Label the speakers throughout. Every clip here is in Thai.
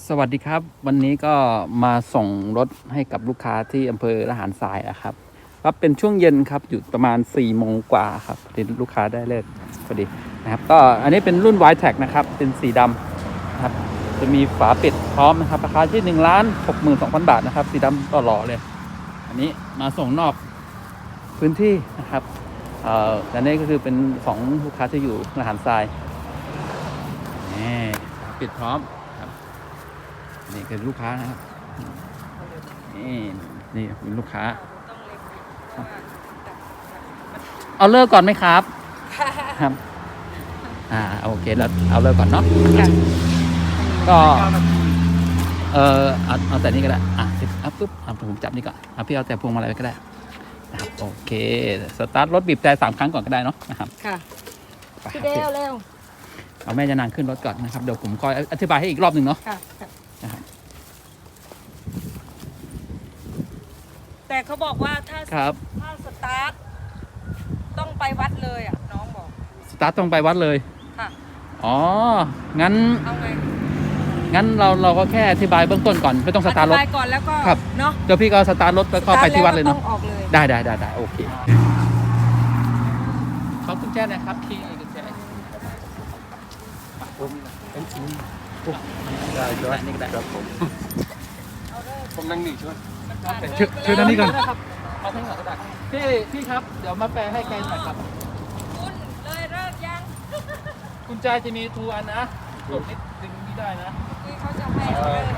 Speaker 1: สวัสดีครับวันนี้ก็มาส่งรถให้กับลูกค้าที่อำเภอระหารทรายนะครับก็เป็นช่วงเย็นครับอยู่ประมาณ4 โมงกว่าครับที่ลูกค้าได้เลิกพอดีนะครับก็อันนี้เป็นรุ่น Y-Track นะครับเป็นสีดำนะครับจะมีฝาปิดพร้อมนะครับราคาที่1,62,000 บาทนะครับสีดำหล่อๆเลยอันนี้มาส่งนอกพื้นที่นะครับอันนี้ก็คือเป็นของลูกค้าที่อยู่ระหารทรายนี่ปิดพร้อมนี่คือลูกค้านะครับนี่เป็นลูกค้าเอาเลิกก่อนไหมครับครับโอเคแล้วเอาเลิกก่อนเนาะก็เอาแต่นี้ก็ได้ปุ๊บผมจับนี่ก่อนพี่เอาแต่พวงมาลัยก็ได้นะครับโอเคสตาร์ทรถบีบแต่3 ครั้งก่อนก็ได้เนาะนะครับ
Speaker 2: ค่ะพี่เดวเร็ว
Speaker 1: เอาแม่จะนางขึ้นรถก่อนนะครับเดี๋ยวผมคอยอธิบายให้อีกรอบหนึ่งเนาะนะครับ
Speaker 2: แต่เขาบอกว่าถ้าสตาร์ทต้องไปวัดเลยอ่ะน้องบอก
Speaker 1: สตาร์ทต้องไปวัดเลย
Speaker 2: ค่ะ
Speaker 1: อ๋องั้น
Speaker 2: เอาไง
Speaker 1: งั้นเราก็แค่อธิบายเบื้องต้นก่อนไม่ต้องสตาร์ทรถ
Speaker 2: อธิบายก่อนแล้วก็เนาะ
Speaker 1: เดี๋ยวพี่ก็สตาร์ทรถแล้วก็ไปที่วัดเลยเนาะได้โอเคเขากุญแจนะครับพี่กุญแจได้นี่ก็ได้ครับ
Speaker 3: ผมนั่งนี่ช่วย
Speaker 1: เชิญนั่นนี่ก่อนเอาให้หน่อยก็ได้พี่ครับเดี๋ยวมาแปลให้แกหน่อยครับ
Speaker 2: คุณเลยเลิกยัง
Speaker 1: กุญแจจะมี2 อันนะกดนิดดึงนี่ได้นะ
Speaker 2: ที่เขาจะให้เราเลิก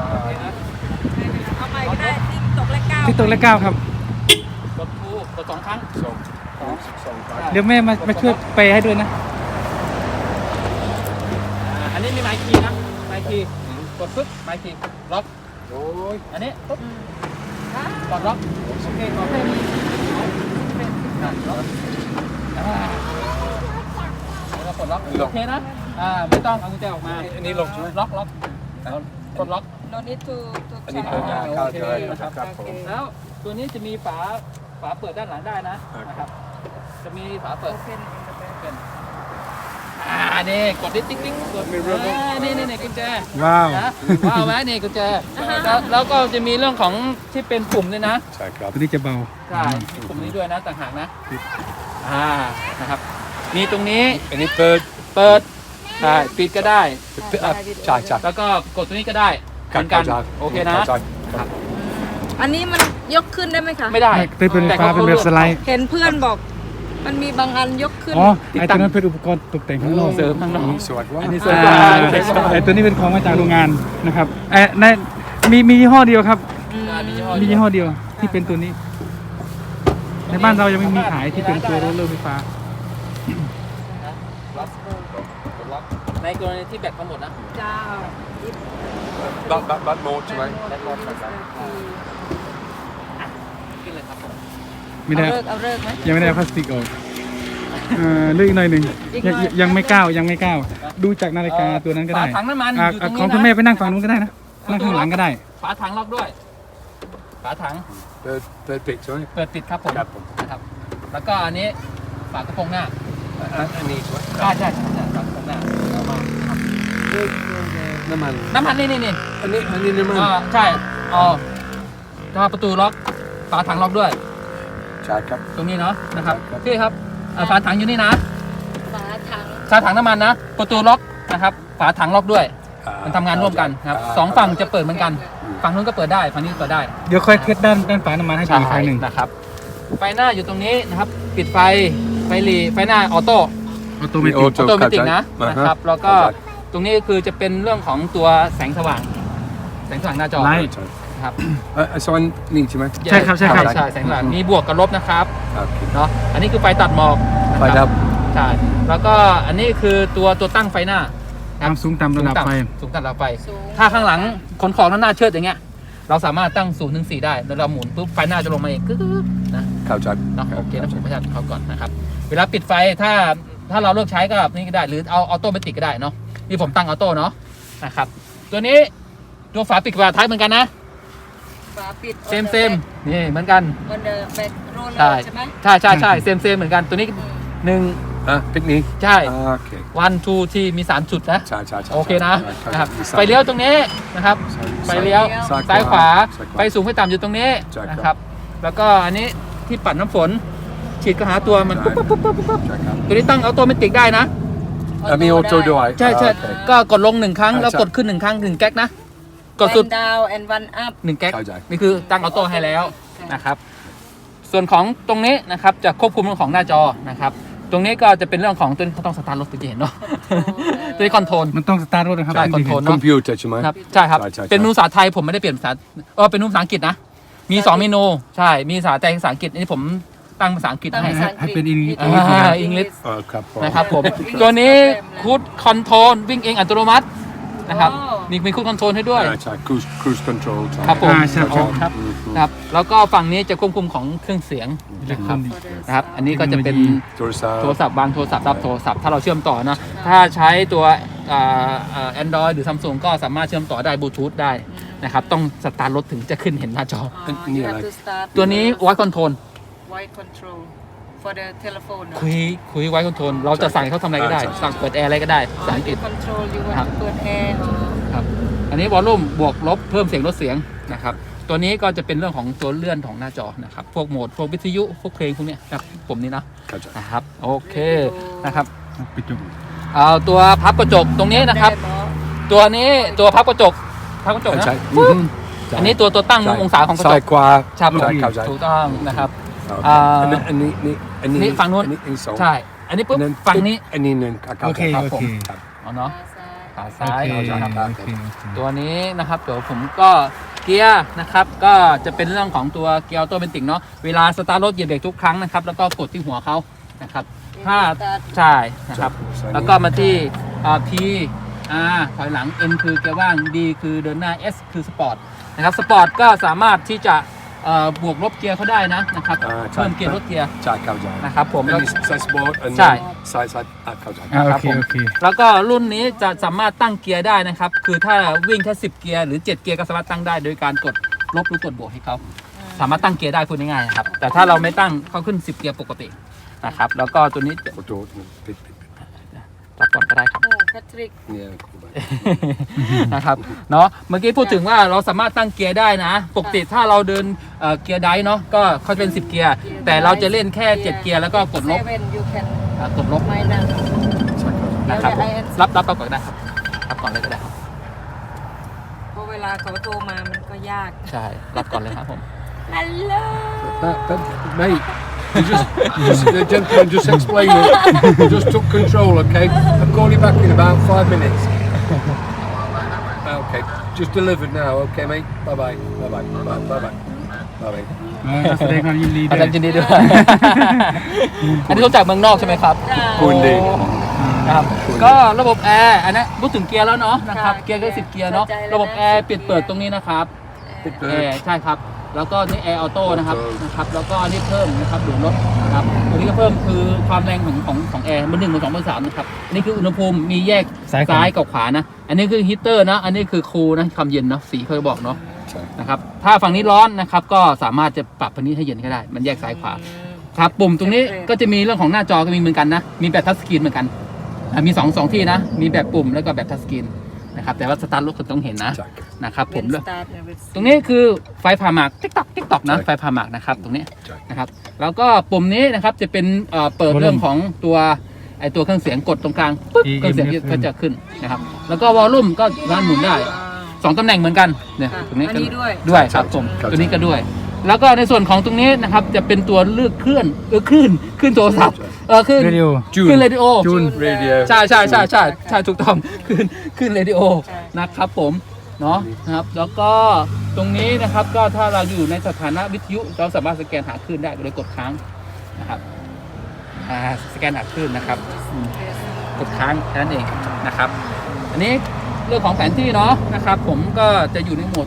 Speaker 2: เอาใหม่ก็ได้ที่ตกเลข 9
Speaker 4: ที่ตกเลข 9ครับ
Speaker 1: กดทูกด2 ครั้ง
Speaker 4: เดี๋ยวแม่มาช่วยเปย์ให้ด้วยนะ
Speaker 1: อันนี้มีไมค์คีย์นะไมค์คีย์กดปึ๊บไมค์คีย์ล็อกอันนี้ปุ๊บกดล็อกโอเคขอแค่นี้ล็อกแล้วกดล็อกโอเคนะไม่ต้องเอากุญแจออกมา
Speaker 3: อันนี้ลงใช่ไหม
Speaker 1: ล็อกกดล็อก
Speaker 2: no need to
Speaker 3: อันนี้เปิด
Speaker 1: โอเคนะครับแล้วตัวนี้จะมีฝาเปิดด้านหลังได้นะครับจะมีฝาเปิดนี่กดติ๊กกดนี่กุญแจ
Speaker 4: ว้าว
Speaker 1: ไหมนี่กุญแจแล้วก็จะมีเรื่องของที่เป็นปุ่มด้วยนะ
Speaker 3: ใช่ครับ
Speaker 4: ตัวนี้จะเบา
Speaker 1: ใช่มีปุ่มนี้ด้วยนะต่างหากนะนะครับมีตรงนี้
Speaker 3: อันนี้เปิด
Speaker 1: ใช่ปิดก็ได้
Speaker 3: ใช่
Speaker 1: แล้วก็กดตัวนี้ก็ได้เหมือนกันโอเคนะ
Speaker 2: อันนี้มันยกขึ้นได้ไหมคะ
Speaker 1: ไม่ได้
Speaker 4: เป็นไฟฟ้าเป็นแบบสไลด์
Speaker 2: เห็นเพื่อนบอกมันมีบางอันยกขึ้น
Speaker 4: ไอตัวนั้นเป็นอุปกรณ์ตกแต่งข้างนอก
Speaker 1: เสริมข้างนอก
Speaker 3: สวยว่า
Speaker 1: อันนี้สวย
Speaker 4: ไอตัวนี้เป็นของมาจากโรงงานนะครับในมียี่ห้อเดียวครับมียี่ห้อเดียวที่เป็นตัวนี้ในบ้านเรายังไม่มีขายที่เป็นตัวโรลเลอร์ไฟฟ้า
Speaker 1: ในกรณีที่แบตหมดนะ
Speaker 2: เจ้า
Speaker 3: บัตโหมดใช่ไหม
Speaker 1: ขึ้นเลยครับ
Speaker 4: ไม่ได้
Speaker 2: เอาเลิกไหม
Speaker 4: ยังไม่ได้พลาสติกออกเลือกอีกหน่อยหนึ่งยังไม่ก้าวดูจากนาฬิกาตัวนั้นก็ได้
Speaker 1: ฝาถังน้ำมัน
Speaker 4: ของคุณแม่ไปนั่งฝั่งนู้นก็ได้นะนั่งข้างหลังก็ได้
Speaker 1: ฝาถังล็อกด้วยฝาถัง
Speaker 3: เปิดปิดใช่ไหม
Speaker 1: เปิดปิดครับผมนะครับแล้วก็อันนี้ฝากระโปรงหน้า
Speaker 3: อันนี้ใช่ไหม
Speaker 1: ใช่ฝากระโปรงหน้าเอามา
Speaker 3: น้ำมัน
Speaker 1: นี่
Speaker 3: อันนี้น้ำมัน
Speaker 1: ใช่ถ้าประตูล็อกฝาถังล็อกด้วย
Speaker 3: ใช่ครับ
Speaker 1: ตรงนี้เนาะนะครับพี่ครับฝาถังอยู่นี่นะ
Speaker 2: ฝา
Speaker 1: ถังน้ำมันนะประตูล็อกนะครับฝาถังล็อกด้วยมันทำงานร่วมกันครับ2 ฝั่งจะเปิดเหมือนกันฝั่งนู้นก็เปิดได้ฝั่งนี้เปิดได้
Speaker 4: เดี๋ยวค่อยเทสด้านฝาน้ำมันให้ดูอีกครั้งหนึ่ง
Speaker 1: นะครับไฟหน้าอยู่ตรงนี้นะครับปิดไฟหลีไฟหน้าออโต้เมติกนะครับแล้วก็ตรงนี้คือจะเป็นเรื่องของตัวแสงสว่างหน้าจอครับ
Speaker 3: สว่างนี่ใช่ไหม
Speaker 4: ใช่ครับ
Speaker 1: แสงสว่างมีบวกกับลบนะครับเนาะอันนี้คือไฟตัดหมอก
Speaker 3: ไฟดับ
Speaker 1: ใช่แล้วก็อันนี้คือตัวตั้งไฟหน้า
Speaker 4: สูงต่ำระดับไฟ
Speaker 1: ถ้าข้างหลังขนของหน้าเชิดอย่างเงี้ยเราสามารถตั้ง0 ถึง 4ได้แล้วเราหมุนปุ๊บไฟหน้าจะลงมาเองนะ
Speaker 3: เข้าใจ
Speaker 1: เนาะโอเคนะผมประชาเขาก่อนนะครับเวลาปิดไฟถ้าเราเลือกใช้ก็แบบนี้ก็ได้หรือเอาออโต้เมติกก็ได้เนาะนี่ผมตั้งออโต้เนาะนะครับตัวนี้ตัวฝาปิดฝาท้ายเหมือนกันนะ
Speaker 2: ฝาปิด
Speaker 1: เซมนี่เหมือนกัน
Speaker 2: เป็นโรลเลอร์ใช่ไหม
Speaker 1: ใช่เซมเหมือนกันตัวนี้1
Speaker 3: picnic
Speaker 1: ใช่
Speaker 3: okay
Speaker 1: 1 2ที่มี3จุดนะ
Speaker 3: ใช่ใช่ใช่
Speaker 1: โอเคนะ
Speaker 3: ใช่
Speaker 1: นะครับ
Speaker 3: ใช่
Speaker 1: ไฟเลี้ยวตรงนี้นะครับ ไฟเลี้ยว ซ้ายขวา
Speaker 3: ซ้ายขวา
Speaker 1: ไฟสูงไฟต่ำอยู่ตรงนี้
Speaker 3: ใช่ครับ
Speaker 1: นะครับ แล้วก็อันนี้ที่ปัดน้ำฝน ฉีดก็หาตัวมันปุ๊บปุ๊บปุ๊บปุ๊บปุ๊บ
Speaker 3: ใช่ครับ
Speaker 1: ตัวนี้ตั้งออโตเมติกได้นะ
Speaker 3: มีออโต้ด้วย
Speaker 1: ใช่ใช่
Speaker 3: โอเค
Speaker 1: ก็กดลง1ครั้ง
Speaker 3: ใช่
Speaker 1: แล้วกดขึ้น1ครั้ง1แก๊กนะ กดสุด
Speaker 2: one down and one up
Speaker 1: 1แก๊ก
Speaker 3: เข้าใจ
Speaker 1: นี่คือตั้งออโต้ให้แล้วนะครับ ส่วนของตรงนี้นะครับจะควบคุมเรื่องของหน้าจอนะครับ ตรงนี้ก็จะเป็นเรื่องของตัวนี้เขาต้องสตาร์ทรถตัวที่เห็นเนาะ ตัวนี้คอนโทรล
Speaker 4: มันต้องสตาร์ทรถนะครับ
Speaker 1: ใช่คอนโทรล
Speaker 3: คอมพิวเตอร์ใช่ไหม
Speaker 1: ครับใช่ครับ
Speaker 3: ใช่ใช่
Speaker 1: เป็นเมนูภาษาไทยผมไม่ได้เปลี่ยนภาษาเป็นเมนูภาษาอังกฤษนะ มี2เมนูใช่มีภาษาไทยภาษาอังกฤษอันนี้ผมตั้งภาษาอังกฤษ
Speaker 2: ตั้ง
Speaker 1: ให้
Speaker 2: ภาษา
Speaker 1: ฮะ
Speaker 2: อังกฤษ
Speaker 4: ให้เป็น English
Speaker 1: อังกฤษ
Speaker 3: ครับผม
Speaker 1: นะครับผม ตัวนี้คูดคอนโทรลวิ่งเองอัตโนมัตินะครับมีคูดคอนโทรลให้ด้วย
Speaker 3: ใช่ cruise control ใช่
Speaker 1: ครับผม
Speaker 4: ใช่ครับ
Speaker 1: ครับนะครับแล้วก็ฝั่งนี้จะควบคุมของเครื่องเสียงนะครับนะครับ อันนี้ก็จะเป็น
Speaker 3: โทรศัพท์
Speaker 1: โทรศัพท์บางโทรศัพท์รับโทรศัพท์ถ้าเราเชื่อมต่อนะถ้าใช้ตัวAndroid หรือ Samsung ก็สามารถเชื่อมต่อได้บลูทูธได้นะครับต้องสตาร์ทรถถึงจะขึ้นเห็นหน้าจอ
Speaker 3: นี่อะไร
Speaker 1: ตัวนี้ Voice Control
Speaker 2: Voice control for the telephone
Speaker 1: คุย Voice Control เราจะสั่งให้เขาทำอะไรก็ได้ สั่งเปิดแอร์อะไรก็ได้ภาษาอังกฤษ
Speaker 2: control you
Speaker 1: ครับ
Speaker 2: want to เปิดแอร์
Speaker 1: ครับอันนี้วอลลุ่มบวกลบเพิ่มเสียงลดเสียงนะครับตัวนี้ก็จะเป็นเรื่องของตัวเลื่อนของหน้าจอนะครับพวกโหมดพวกวิทยุพวกเพลงพวกเนี้ยครับผมนี่นะ
Speaker 3: เข้าใจ
Speaker 1: นะครับโอเคนะครับ
Speaker 4: ปิดจบ
Speaker 1: เอาตัวพับกระจกตรงนี้นะครับ ตัวนี้ตัวพับกระจกนะ
Speaker 3: ใช่
Speaker 1: อันนี้ตัวตั้งองศาของกระจ
Speaker 3: ซ้าย
Speaker 1: ก
Speaker 3: ขวา
Speaker 1: ครับ
Speaker 3: ใช่เข้าใจ
Speaker 1: ถูกต้องนะครับ
Speaker 3: อันนี้
Speaker 1: นี่ฝั่งนู้น
Speaker 3: อันนี้สอง
Speaker 1: ใช่ อันนี้ปุ๊บฝั่งนี้
Speaker 3: อันนี้หนึ่ง
Speaker 4: โอเค
Speaker 1: ครับ
Speaker 4: โอ
Speaker 1: ผม
Speaker 4: เค
Speaker 1: เอาเนาะขา
Speaker 4: โอ
Speaker 1: ซ้าย
Speaker 4: เค
Speaker 1: นะครับ
Speaker 4: โอเค
Speaker 1: ตัวนี้นะครับเดี๋ยวผมก็เกียร์นะครับก็จะเป็นเรื่องของตัวเกียร์ออโตเมติกเนาะเวลาสตาร์ทรถเหยียบเบรกทุกครั้งนะครับแล้วก็กดที่หัวเขานะครับถ้าใช่นะครับแล้วก็มาที่P R ถอยหลัง N คือเกียร์ว่าง D คือเดินหน้า S คือสปอร์ตนะครับสปอร์ตก็สามารถที่จะบวกลบเกียร์เขาได้นะครับเพิ่มเกียร์ลดเกียร์
Speaker 3: ใช่เข้าใจ
Speaker 1: นะครับผม
Speaker 3: อันนี้ซ้ายสปอร์ต
Speaker 1: ใช่
Speaker 3: ซ้ายเข้าใจ
Speaker 4: อ่าโอ
Speaker 1: ครับ
Speaker 4: เค
Speaker 1: ผม
Speaker 4: โอเค
Speaker 1: แล้วก็รุ่นนี้จะสามารถตั้งเกียร์ได้นะครับคือถ้าวิ่งแค่10เกียร์หรือ7เกียร์ก็สามารถตั้งได้โดยการกดลบหรือกดบวกให้เขาสามารถตั้งเกียร์ได้พูดง่ายๆนะครับแต่ถ้าเราไม่ตั้งเขาขึ้น10เกียร์ปกตินะครับแล้วก็ตัวนี้
Speaker 3: ขอโทษปิด
Speaker 1: รับก่อนก็ได้ครับ
Speaker 2: แพทริก
Speaker 3: เนี่ย
Speaker 1: นะครับเนาะเมื่อกี้พูดถึงว่าเราสามารถตั้งเกียร์ได้นะปกติถ้าเราเดินเกียร์ไดฟ์เนาะก็เขาจะเป็น10เกียร์แต่เราจะเล่นแค่7เกียร์แล้วก็กดลบ
Speaker 2: 7 you can
Speaker 1: กดลบ
Speaker 2: minus
Speaker 1: นะครับ
Speaker 2: เดี๋ยว
Speaker 1: รับก่อนก็ได้ครับรับก่อนเลยก็ได้ครับ
Speaker 2: เพราะเวลาเขาโทรมามันก็ยาก
Speaker 1: ใช่รับก่อนเลยครับผม
Speaker 2: ฮัลโหล
Speaker 3: Mate, the gentleman just explained it. You just took control, okay? I'll call you back in about 5 minutes. Okay, just delivered now, okay, mate? Bye-bye. Bye-bye. Bye-bye. Bye-bye.
Speaker 4: แสดงความยินดีด้
Speaker 1: อา
Speaker 4: วย
Speaker 1: จารย์ยินดีด้วย อันนี้เขาจากเมืองนอกใช่ไหมครับ
Speaker 3: คุณดี
Speaker 1: นะครับก็ระบบแอร์อันนี้พูดถึงเกียร์แล้วเนาะนะครับ
Speaker 2: ค่ะ
Speaker 1: เกียร์ก็10เกียร์เนาะ
Speaker 2: เข้าใจแล้วนะ
Speaker 1: ระบบแอร์ปิดเปิดตรงนี้นะครับ
Speaker 3: Big
Speaker 1: แอ
Speaker 3: bird.
Speaker 1: ร์ใช่ครับแล้วก็นี่แอร์ออโต้นะครับ
Speaker 3: ออโต้
Speaker 1: นะครับแล้วก็นี่เพิ่มนะครับดูดรถนะครับตัวนี้ก็เพิ่มคือความแรงของแอร์เบอร์ 1 เบอร์ 2 เบอร์ 3นะครับอันนี้คืออุณหภูมิมีแยกซ้ายกับขวานะอันนี้คือฮีเตอร์นะอันนี้คือคูลนะความเย็นนะสีเขาจะบอกเนาะ นะครับถ้าฝั่งนี้ร้อนนะครับก็สามารถจะปรับฝั่งนี้ให้เย็นก็ได้มันแยกซ้ายขวาครับปุ่มตรงนี้ก็จะมีเรื่องของหน้าจอก็มีเหมือนกันนะมีแบบทัชสกรีนเหมือนกันมีสองที่นะมีแบบปุ่มแล้วก็แบบทัชสกรีนนะครับแต่ว่าสตาร์ทรถคุณต้องเห็นนะนะครับผมด้วยตรงนี้คือไฟผ่าหมากติ๊กตอกนะไฟผ่าหมากนะครับตรงนี้นะครับแล้วก็ปุ่มนี้นะครับจะเป็นเปิดเรื่องของตัวตัวเครื่องเสียงกดตรงกลางปึ๊บเครื่องเสียงก็จะขึ้นนะครับแล้วก็วอลลุ่มก็ร้านหมุนได้2ตำแหน่งเหมือนกันเนี่ยตรงนี้
Speaker 2: อัน
Speaker 1: ก็
Speaker 2: นี้ด้วย
Speaker 1: ด้วยครับผมตัวนี้ก็ด้วย แล้วก็ในส่วนของตรงนี้นะครับจะเป็นตัวเลือกคลื่นโทรศัพท์คลื่น
Speaker 4: เรดิโอ
Speaker 1: คลื่นเรดิโอ
Speaker 4: จูน
Speaker 3: Radio.
Speaker 1: ใช่ถูกต้องคลื่นเรดิโอนะครับผมเนาะนะครับแล้วก็ตรงนี้นะครับก็ถ้าเราอยู่ในสถานะวิทยุเราสามารถสแกนหาคลื่นได้โดยกดค้างนะครับสแกนหาคลื่นนะครับกดค้างแค่นั้นเองนะครับ อันนี้เรื่องของแผนที่เนาะนะครับผมก็จะอยู่ในโหมด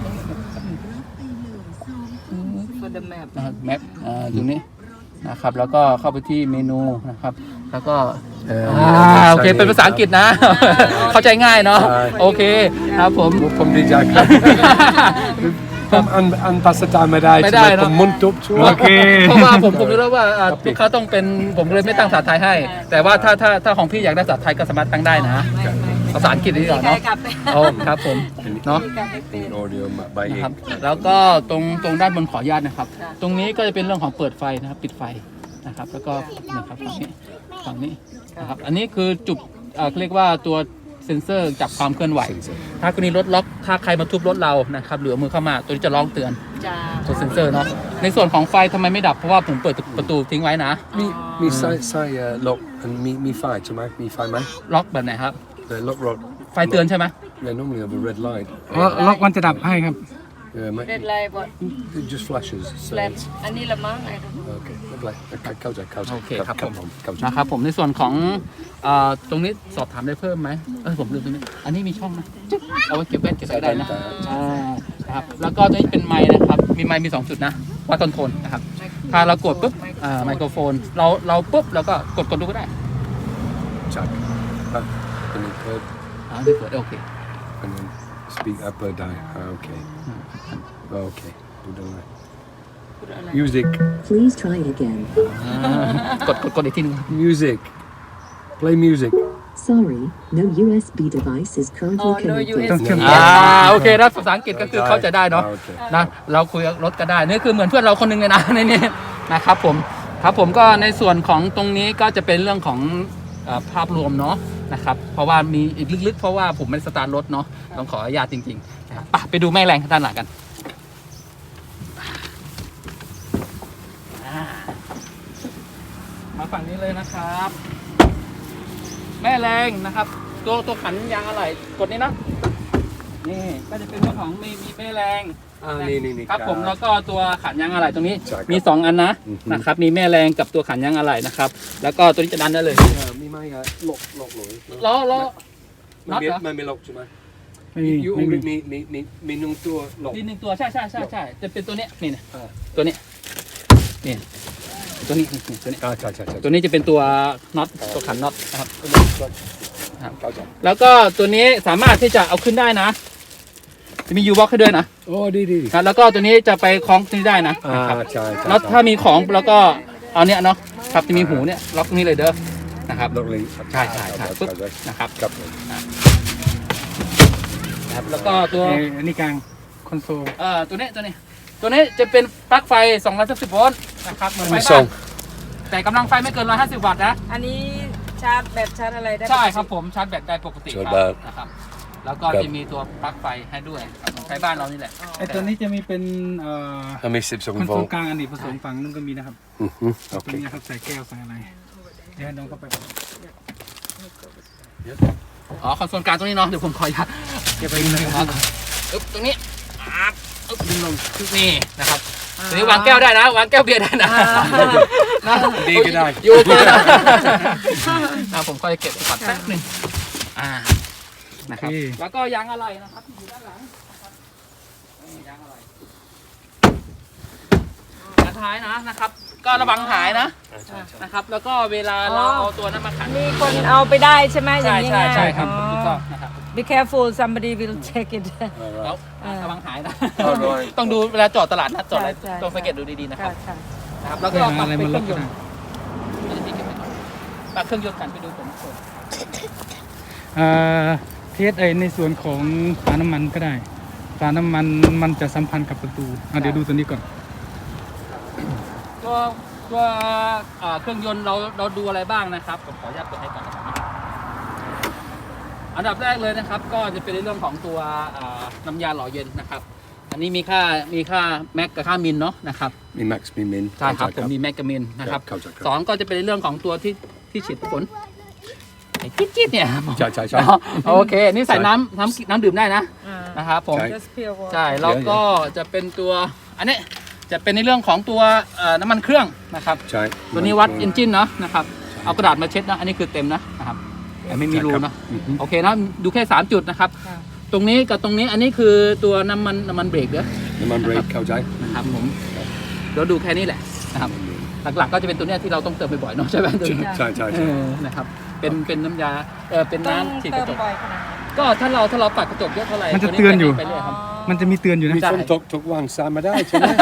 Speaker 2: for the map
Speaker 1: นะครับแมปตรงนี้นะครับแล้วก็เข้าไปที่เมนูนะครับแล้วก็โอเคเป็นภาษาอังกฤษนะ เข้าใจง่ายเนาะโอเคครับผม
Speaker 3: ผมดีใจครับผมอันภาษาไทยไม่ได้
Speaker 1: ไม่ได้
Speaker 3: ใช่ห
Speaker 1: เนอะ
Speaker 3: ผมมุนตุบช่วย
Speaker 4: โอเค
Speaker 1: เพราะว่าผมรู้แล้วว่าลูกค้าต้องเป็นผมเลยไม่ตั้งภาษาไทยให้ แต่ว่าถ้าของพี่อยากได้ภาษาไทยก็สามารถตั้งได้นะ ภาษาอังกฤษดีกว่า
Speaker 2: ใคร
Speaker 1: เนาะ
Speaker 2: กลับไป
Speaker 1: โอ้ครับผมเนาะ
Speaker 2: กลับไปเป็น
Speaker 3: audio ใบเอ
Speaker 1: นะครับ
Speaker 3: ง
Speaker 1: แล้วก็ตรงด้านบนขออนุญาตนะครับ ตรงนี้ก็จะเป็นเรื่องของเปิดไฟนะครับปิดไฟนะครับ แล้วก็นะครับฝั่งนี้นะครับอันนี้คือจุดเรียกว่าตัวเซ็นเซอร์จับความเคลื่อนไหว ถ้ากรณีรถล็อกถ้าใครมาทุบรถเรานะครับหรือเอามือเข้ามาตัวนี้จะร้องเตือน
Speaker 2: จ้า
Speaker 1: ตัวเซ็นเซอร์เนาะในส่วนของไฟทำไมไม่ดับเพราะว่าผมเปิดประตูทิ้งไว้นะ
Speaker 3: มีไส้ล็อกมีไฟใช่ไหมมีไฟไหม
Speaker 1: ล็อกแบบไหนครับ
Speaker 3: ล็อกรถ
Speaker 1: ไฟเตือนใช่ไหม
Speaker 3: Yeah, normally have a red light.
Speaker 4: ล็อกมันจะดับให้ครับ
Speaker 3: Yeah, mate.
Speaker 2: เด็ดไลน์บอด
Speaker 3: It just flashes.
Speaker 2: แฟลชอันนี้ละมั้งไอ้
Speaker 3: Okay, lovely. Okay, เข้าใจ
Speaker 1: โอเคครับผม
Speaker 3: เข้าใจ
Speaker 1: นะครับผมในส่วนของตรงนี้สอบถามได้เพิ่มไหมผมลืมตรงนี้อันนี้มีช่องนะจึ๊กเอาไว้เก็บแว่นเก็บอะไรได้นะนะครับแล้วก็ตัวนี้เป็นไมค์นะครับมีไมค์มี2จุดนะวัดคอนโทรลนะครับถ้าเรากดปุ๊บไมโครโฟนเราปุ๊บเราก็กดดูก็ได้
Speaker 3: Check. And then third,
Speaker 1: ได้เปิดโอเค
Speaker 3: and then speak up or down. Okay. Okay. Do that.
Speaker 2: พูดอะไร
Speaker 3: Music.
Speaker 5: Please try again.
Speaker 1: กดอีกทีนึง
Speaker 3: Music. Play music.
Speaker 5: Sorry, no USB device is currently
Speaker 2: Oh, no
Speaker 5: connected.
Speaker 4: ต้องเชื่อม
Speaker 1: โอเคนะภาษาอังกฤษก็คือเข้าใจได้เนาะ
Speaker 3: โอเค
Speaker 1: นะเราคุยกับรถก็ได้นี่คือเหมือนเพื่อนเราคนหนึงเลยนะ ในนี้นะครับผมครับผมก็ในส่วนของตรงนี้ก็จะเป็นเรื่องของภาพรวมเนาะนะครับเพราะว่ามีอีกลึกๆเพราะว่าผมไม่ได้สตาร์ทรถเนาะต้องขออนุญาตจริงๆนะครับไปดูแม่แรงด้านหลังกันมาฝั่งนี้เลยนะครับ แม่แรงนะครับตัวขันยางอะไหล่กดนี้นะนี่ก็จะเป็นเรื่องของมีแม่แรง
Speaker 3: นี่
Speaker 1: ครับผมแล้วก็ตัวขันยางอะไหล่ตรงนี้
Speaker 3: ใช่ครับ
Speaker 1: มี2อันนะ
Speaker 3: อือฮึ
Speaker 1: นะครับมีแม่แรงกับตัวขันยางอะไหล่นะครับแล้วก็ตัวนี้จะดันได้เลย
Speaker 3: มีไหมล็อกเลย
Speaker 1: ล้อ
Speaker 3: มันไม่ล็อกใช่ไหม
Speaker 4: ไม่มี
Speaker 3: ยู
Speaker 4: ไม่มี
Speaker 3: มีนุ่งตัวล็อก
Speaker 1: มี1ตัวใช่จะเป็นตัวเนี้ยนี่นะตัวนี้นี่ตัวนี้ตัวนี้
Speaker 3: ใช่
Speaker 1: ตัวนี้จะเป็นตัวน็อตตัวขันน็อตนะครับ
Speaker 3: เข้าใจ
Speaker 1: แล้วก็ตัวนี้สามารถที่จะเอาขึ้นได้นะจะมียูบ็อกให้ด้วยนะ
Speaker 3: โอ้ดี
Speaker 1: นะแล้วก็ตัวนี้จะไปคล้องที่นี่ได้นะนะครับ
Speaker 3: ใช่
Speaker 1: แล้วถ้ามีของแล้วก็เอาเนี้ยเนาะครับจะมีหูเนี่ยล็อกตรงนี้เลยเด้อนะครับ
Speaker 3: ล็อกเลย
Speaker 1: ใช่ปึ๊บนะครับ
Speaker 3: ครับ
Speaker 1: นะครับแล้วก็ตัว
Speaker 4: อันนี้กลางคอนโซล
Speaker 1: ตัวนี้จะเป็นปลั๊กไฟ210โวลต์นะครับเหมือนไฟ
Speaker 3: มีส
Speaker 1: บ้า
Speaker 3: อน ง
Speaker 1: แต่กำลังไฟไม่เกิน150วัตต์นะ
Speaker 2: อันนี้ชาร์จแบตชาร์จอะไรได้
Speaker 1: ใช่ครับผมชาร์จแบตได้ปกติค
Speaker 3: ชา
Speaker 1: รั
Speaker 3: ร์จแบต
Speaker 1: นะครับแล้วก็จะมีตัวปลั๊กไฟให้ด้วยครับของไฟบ้านเรานี่แหละ
Speaker 4: ไอตัวนี้จะมีเป็น
Speaker 3: มี
Speaker 4: คอน
Speaker 3: 12
Speaker 4: โซ
Speaker 3: โว
Speaker 4: ล
Speaker 3: ลต์
Speaker 4: กลางอันนี้ผสมฝั่งนึงก็มีนะครับ
Speaker 3: โอ
Speaker 4: ตร
Speaker 3: เค
Speaker 4: งนี้ครับใส่แก้วใส่อะไรเดี๋ยวให้น้องเข้าไป
Speaker 1: อ๋อคอนโซลกลางตรงนี้เนาะเดี๋ยวผมขออนุญาตเก็บไปนิดนึงครับอึ๊บตรงนี้อึ๊บดึงลงนี่นะครับตัวนี้วางแก้วได้นะวางแก้วเบียร์ได้นะนะ
Speaker 3: ดีก็ได้
Speaker 1: อยู่ก็ได้ผมค่อยเก็บก่อนแป๊บหนึงนะครับแล้วก็ยางอะไรนะครับอยู่ด้านหลังนะครับนี่ยางอะไรยางท้ายนะครับ ก็ระวังหายนะครับ แล้วก็เวลาเราเอาตัวนั้นมาขัน
Speaker 2: มีคนเอาไปได้ใช่ไหมอย่างนี้
Speaker 1: ใช่ครับ
Speaker 2: อ๋อ
Speaker 1: ถูกต้องนะครับ
Speaker 2: Be careful somebody will check it
Speaker 1: แล้วระวังหายนะ
Speaker 3: Alright
Speaker 1: ต้องดูเวลาจอดตลาดนัดจอดอะไร
Speaker 2: ใช่
Speaker 1: ต้องสังเกตดูดีๆนะค
Speaker 2: ค่ะ
Speaker 1: รับ
Speaker 2: ค่ะ
Speaker 1: นะครับ แล้ว
Speaker 4: ก็
Speaker 1: ก็
Speaker 4: หา
Speaker 1: ปรับ
Speaker 4: อะไร
Speaker 1: ไป
Speaker 4: มา
Speaker 1: เค
Speaker 4: ล็
Speaker 1: รื่
Speaker 4: อ
Speaker 1: อก งย
Speaker 4: ก็
Speaker 1: น
Speaker 4: ได้
Speaker 1: ต์ปรับเครื่องยนต์กันไปดูผม
Speaker 4: เทสในส่วนของฝาน้ำมันก็ได้ฝาน้ำมันมันจะสัมพันธ์กับประตูเดี๋ยวดูตัวนี้ก่อน
Speaker 1: ตัวเครื่องยนต์เราดูอะไรบ้างนะครับผมขออนุญาตเปิดให้ก่อนนะครับอันดับแรกเลยนะครับ ก็จะเป็นในเรื่องของตัวน้ำยาหล่อเย็นนะครับ อันนี้มีค่าแม็กกับค่ามินเนาะนะครับ
Speaker 3: มีแม็กซ์มีมิน
Speaker 1: ใช่ครับผมมีแม็กกับมินนะครับ
Speaker 3: เข้าใจครับ
Speaker 1: สองก็จะเป็นในเรื่องของตัวที่ฉีดฝนไอ้จิ๊ดๆเนี่ย
Speaker 3: ใช่
Speaker 1: เนาะโอเคนี่ใส่น้ำดื่มได้นะ
Speaker 2: อ่า
Speaker 1: นะครับผม
Speaker 3: ใช่
Speaker 2: just pure water
Speaker 1: ใช่แล้วก็จะเป็นตัวอันนี้จะเป็นในเรื่องของตัวน้ำมันเครื่องนะครับ
Speaker 3: ใช่
Speaker 1: ตัวนี้วัดเอนจินเนาะนะครับเอากระดาษมาเช็ดนะอันนี้คือเต็มนะครับแต่ไม่มีรูนะโอเคนะดูแค่3จุดนะครับ
Speaker 2: ค่ะ
Speaker 1: ตรงนี้กับตรงนี้อันนี้คือตัวน้ำมันเบรกเด้อ
Speaker 3: น้ำมันเบรกเข้าใจ
Speaker 1: นะครับผมเดี๋ยวดูแค่นี้แหละนะครับหลักๆก็จะเป็นตัวเนี้ยที่เราต้องเติมบ่อยๆเนาะใช่ไหมตัวนี้
Speaker 3: ใช่
Speaker 1: นะครับเป็นน้ำยาเป็น
Speaker 2: ต้อง
Speaker 1: น้ำฉีดก
Speaker 2: เติ
Speaker 1: ระ
Speaker 2: ม
Speaker 1: จก
Speaker 2: บ่อยขนาดไหน
Speaker 1: ก็ถ้าเราปัดกระจกเยอะเท่าไหร่
Speaker 4: มันจะเตือนอยู่
Speaker 1: ไปเรื่อยครับ
Speaker 2: อ๋อ
Speaker 4: มันจะมีเตือนอยู่นะ
Speaker 3: มีคนทุกวันสามมาได้ใช่ไหม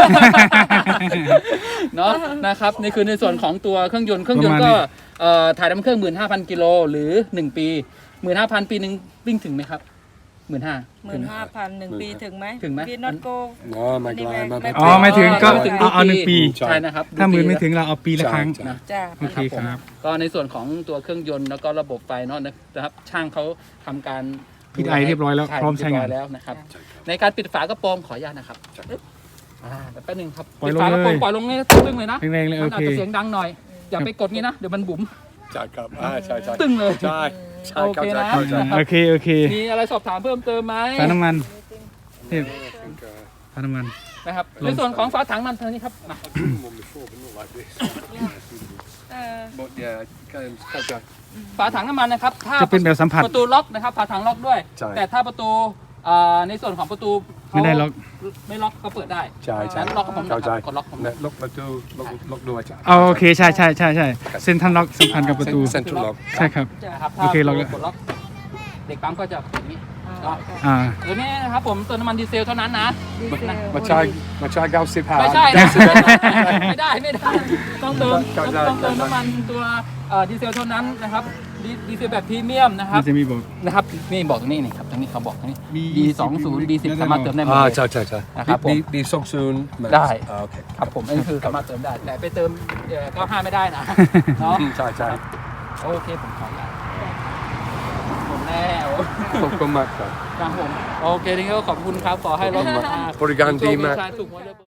Speaker 1: เนาะนะครับนี่คือในส่วนของตัวเครื่องยนต์ก็ถ่ายน้ำเครื่อง 15,000 กิโลหรือ 1 ปี 15,000 ปีหนึ่งวิ่งถึงไหมครับ 15,000
Speaker 2: 15,000 1 ปีถึงไหม
Speaker 1: ถึงไหม
Speaker 2: พี่น็อตโก
Speaker 3: อ๋อไม่ไกลไม่ไกล
Speaker 4: อ๋อไม่ถึงก็
Speaker 1: ไม่ถึง
Speaker 4: เอา1 ปี
Speaker 1: ใช่นะครับ
Speaker 4: ถ้าหมื่นไม่ถึงเราเอาปีละครั้ง
Speaker 3: ใช่
Speaker 1: นะ
Speaker 2: จ้า
Speaker 4: โอเคครับ
Speaker 1: ก็ในส่วนของตัวเครื่องยนต์แล้วก็ระบบไฟเนาะนะครับช่างเขาทำการ
Speaker 4: พิดไอเรียบร้อยแล้วพร้อมใช้งาน
Speaker 1: เรียบร้อยแล้วนะครับในการปิดฝากระโปรงขออนุญาตนะครับแป๊บนึงครับ
Speaker 4: ปล่อย
Speaker 1: ปิด
Speaker 4: ลง
Speaker 1: ฝากระโปรง
Speaker 4: เลย
Speaker 1: ปล่อยลงนี่ตึ้งเลยนะ
Speaker 4: แรงๆเลย
Speaker 1: มั
Speaker 4: โอน
Speaker 1: อาจ
Speaker 4: เค
Speaker 1: จะเสียงดังหน่อยอย่าไปกดงี้นะเดี๋ยวมันบุ๋ม
Speaker 3: ใช่ครับใช่
Speaker 1: ตึ้งเลย
Speaker 3: ใช่ใช่
Speaker 1: โอ
Speaker 3: เข้า
Speaker 1: เค
Speaker 3: ใจ
Speaker 1: นะ
Speaker 3: เข้าใจ
Speaker 1: ครับ
Speaker 4: โอเคโอเค
Speaker 1: มีอะไรสอบถามเพิ่มเติมไหม
Speaker 4: ฝาน้ำมันเทพฝาน้ำมัน
Speaker 1: นะครับในส่วนของฝาถังมันเท่านี้ครับมา
Speaker 3: One before, but not like this.
Speaker 2: เออ
Speaker 3: But yeah,เข้าใจ
Speaker 1: ฝาถังน้ำมันนะครับถ้า
Speaker 4: จะเป็นแบบสัมผัส
Speaker 1: ประตูล็อกนะครับฝาถังล็อกด้วย
Speaker 3: ใช่
Speaker 1: แต่ถ้าประตูในส่วนของประตูเขา
Speaker 4: ไม่ได้ล็อก
Speaker 1: ไม่ล็อกก็เปิดได้
Speaker 3: ใช่ใช่
Speaker 1: งั้นล็อกกับผมนะ
Speaker 3: เข้าใจ
Speaker 1: ครับกดล็อกผม
Speaker 3: เนี่ยล็อกประตูล็อกด้วยจ้ะ
Speaker 4: เอาโอเคใช่ใช่ใช่ใช่เส้นทันล็อกสัมพันธ์กับประตู
Speaker 3: เซ็นทรัลล็อก
Speaker 4: ใช่ครับ
Speaker 1: นะครับ
Speaker 4: โอเคล็อกแล้ว
Speaker 1: กดล็อกเด็กปั๊มก็จะอย่างนี้ล็อก
Speaker 4: อ่า
Speaker 1: ตัวนี้นะครับผมเติมน้ำมันดีเซลเท่านั้นนะ
Speaker 2: ดีเซล
Speaker 3: มาใช้95
Speaker 1: ไม่ใช่นะไม่ได้ต้องเติม
Speaker 3: เข้าใจ
Speaker 1: ต้องเติมน้ำมันตัวดีเซลเท่านั้นนะครับดีเซลแบบพรีเมียมนะครั
Speaker 4: มั
Speaker 1: บ
Speaker 4: นจะมีบอก
Speaker 1: นะครับนี่บอกตรงนี้นี่ครับตรงนี้เขาบอกตรงนี้
Speaker 4: มี
Speaker 1: B20 B10 สามารถเติมได้หมด
Speaker 3: อ่า
Speaker 1: เลย
Speaker 3: ใช่
Speaker 1: นะครับผม
Speaker 3: ดีส่งซูน
Speaker 1: ได้
Speaker 3: โอเค
Speaker 1: ครับผมอันนี้คือสามารถเติมได้แต่ไปเติม95ไม่ได้นะเนาะ
Speaker 3: ใช่
Speaker 1: โอเคผมขอละหมดแล้ว
Speaker 3: ขอบคุณมากครับ
Speaker 1: ครับผมโอเคทีนี้ก็ขอบคุณครับขอให้รถ
Speaker 3: บริการดีมาก
Speaker 1: ถูกหวยเลย